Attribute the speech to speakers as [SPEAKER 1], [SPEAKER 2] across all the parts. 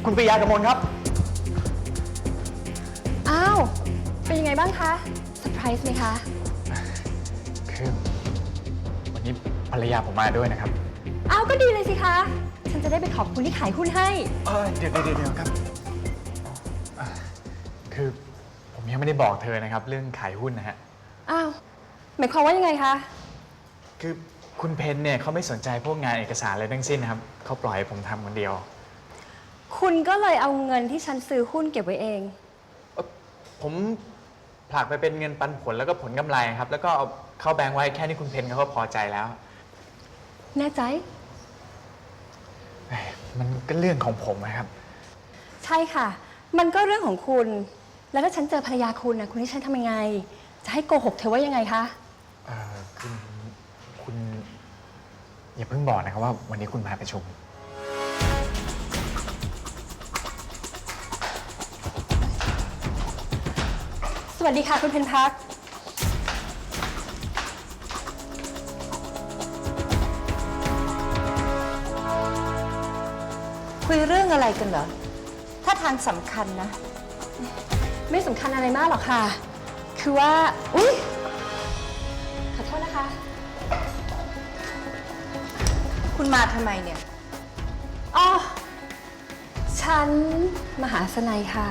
[SPEAKER 1] คุณปริยากมลครับ
[SPEAKER 2] อ้าวเป็นยังไงบ้างคะเซอร์ไพรส์ไหมคะ
[SPEAKER 1] คือวันนี้ภรรยาผมมาด้วยนะครับ
[SPEAKER 2] อ้าวก็ดีเลยสิคะฉันจะได้ไปขอบคุณที่ขายหุ้นให้
[SPEAKER 1] เดี๋ยวครับคือผมยังไม่ได้บอกเธอนะครับเรื่องขายหุ้นนะฮะ
[SPEAKER 2] อ้าวหมายความว่ายังไงคะ
[SPEAKER 1] คือคุณเพนเนี่ยเขาไม่สนใจพวกงานเอกสารอะไรทั้งสิ้นนะครับเขาปล่อยให้ผมทำคนเดียว
[SPEAKER 2] คุณก็เลยเอาเงินที่ฉันซื้อหุ้นเก็บไว้เอง
[SPEAKER 1] ผมผลักไปเป็นเงินปันผลแล้วก็ผลกำไรครับแล้วก็เอาเข้าแบงค์ไว้แค่นี้คุณเพนเขาก็พอใจแล้ว
[SPEAKER 2] แน่ใจ
[SPEAKER 1] มันก็เรื่องของผมนะครับ
[SPEAKER 2] ใช่ค่ะมันก็เรื่องของคุณแล้วถ้าฉันเจอภรรยาคุณนะคุณให้ฉันทำยังไงจะให้โกหกเธอว่ายังไงคะ
[SPEAKER 1] คุณอย่าเพิ่งบอกนะครับว่าวันนี้คุณมาประชุม
[SPEAKER 2] สวัสดีค่ะคุณเพนพัก
[SPEAKER 3] คุยเรื่องอะไรกันเหรอถ้าทางสำคัญนะ
[SPEAKER 2] ไม่สำคัญอะไรมากหรอกค่ะคือว่าอุ๊ยขอโทษนะคะ
[SPEAKER 3] คุณมาทำไมเนี่ย
[SPEAKER 2] อ๋อฉันมหาสนัยค่ะ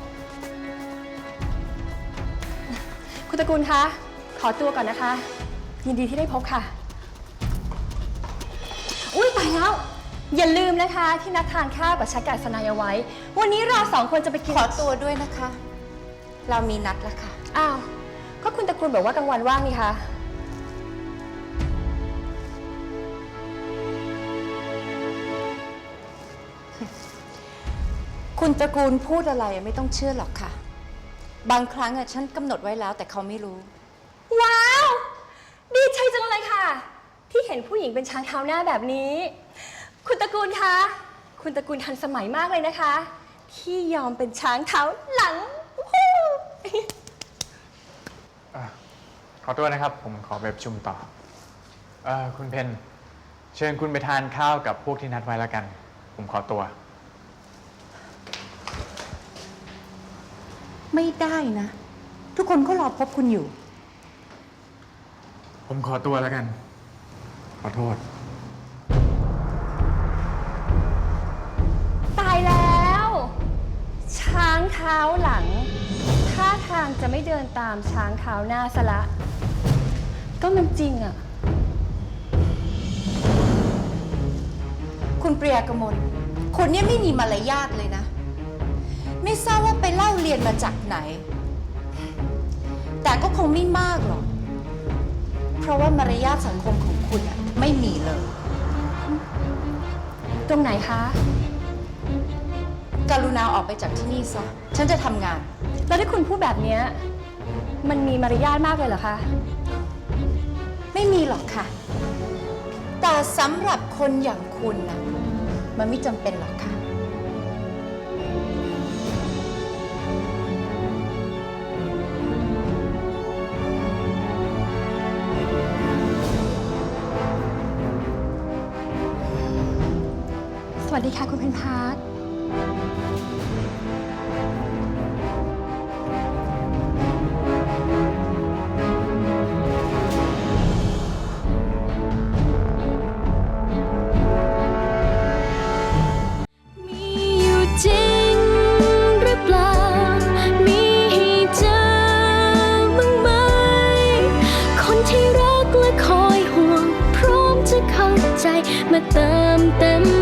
[SPEAKER 2] คุณตระกูลคะขอตัวก่อนนะคะ ยินดีที่ได้พบค่ะอุ้ยตายแล้วอย่าลืมนะคะที่นัดทานข้าวกับชักกับสนายเอาไว้วันนี้เราสองคนจะไปกิน
[SPEAKER 3] ขอตัวด้วยนะคะเรามีนัดแล้วค่ะ
[SPEAKER 2] อ้าวก็คุณตระกูลบอกว่ากลางวันว่างนี่คะ
[SPEAKER 3] คุณตระกูลพูดอะไรไม่ต้องเชื่อหรอกค่ะบางครั้งฉันกำหนดไว้แล้วแต่เขาไม่รู้
[SPEAKER 2] ว้าวดีใจจังเลยค่ะที่เห็นผู้หญิงเป็นช้างเท้าหน้าแบบนี้คุณตระกูลคะคุณตระกูลทันสมัยมากเลยนะคะที่ยอมเป็นช้างเท้าหลัง
[SPEAKER 1] ขอตัวนะครับผมขอไปประชุมต่อคุณเพนเชิญคุณไปทานข้าวกับพวกที่นัดไว้แล้วกันผมขอตัว
[SPEAKER 3] ไม่ได้นะทุกคนก็รอพบคุณอยู่
[SPEAKER 1] ผมขอตัวแล้วกันขอโทษ
[SPEAKER 2] ตายแล้วช้างเท้าหลังท่าทางจะไม่เดินตามช้างเท้าหน้าซะละก็มันจริงอะ
[SPEAKER 3] คุณปริยากมลคุณเนี่ยไม่มีมารยาทเลยนะไม่ทราบว่าไปเล่าเรียนมาจากไหนแต่ก็คงไม่มากหรอกเพราะว่ามารยาทสังคมของคุณอะไม่มีเลย
[SPEAKER 2] ตรงไหนคะ
[SPEAKER 3] กรุณาออกไปจากที่นี่ซะฉันจะทำงาน
[SPEAKER 2] แล้วที่คุณพูดแบบนี้มันมีมารยาทมากเลยเหรอคะ
[SPEAKER 3] ไม่มีหรอกค่ะแต่สำหรับคนอย่างคุณนะมันไม่จำเป็นหรอกค่ะ
[SPEAKER 2] สวัสดีค่ะคุณเพนพาร์ค
[SPEAKER 4] จริงหรือเปล่ามีให้เจอบ้างไหมคนที่รักและคอยห่วงพร้อมจะเข้าใจมาเติมเต็ม